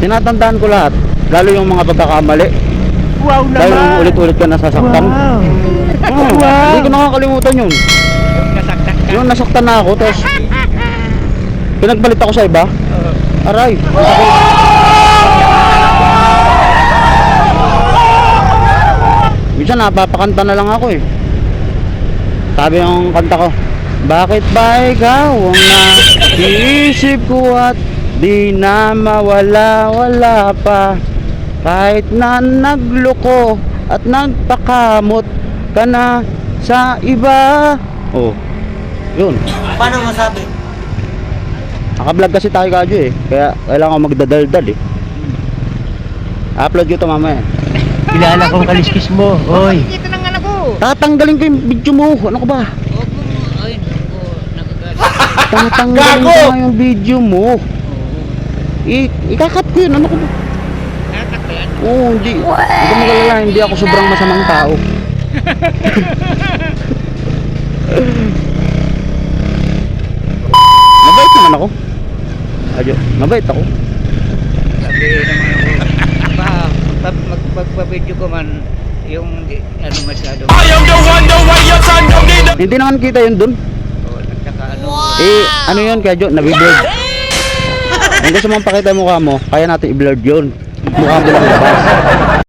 Tinatandaan ko lahat. Lalo yung mga pagkakamali. Wow naman. Dahil yung ulit-ulit ka nasasaktan. Wow. Hindi ko nakakalimutan yun. Nasaktan ka. Yung nasaktan na ako, tapos pinagbalit ako sa iba. Aray. Minsan napapakanta na lang ako eh. Sabi yung kanta ko, bakit ba ikaw ang naiisip ko at di na mawala-wala pa, kahit na nagloko at nagpakamot ka na sa iba. Oh, yun. Paano masabi? Naka-vlog kasi tayo kadyo eh, kaya kailangan ko magdadaldal eh. Upload ko ito mamaya. Kilala kong kaliskis mo. Oy. Kita ng anak ko. Tatanggalin ko yung video mo. Ano ka ba? Huwag mo, ay, naku, nagagalit. Tatanggalin ko nga yung video mo. Ikakat ko yun. Ano ko ba? Natak ba yan? Oo, hindi. Hindi ko magalala. Hindi ako sobrang masamang tao. Mabait naman ako. Adyo, mabait ako. Sabi naman ako, magpapabidyo ko man, yung ano masyado. Hindi naman kita yun dun. O, nagtaka ano. Eh, ano yun kaya Jo? Nabiblurred. Kung gusto mong pakita yung mukha mo, kaya natin i-blurred yun. Mukha mo lang labas.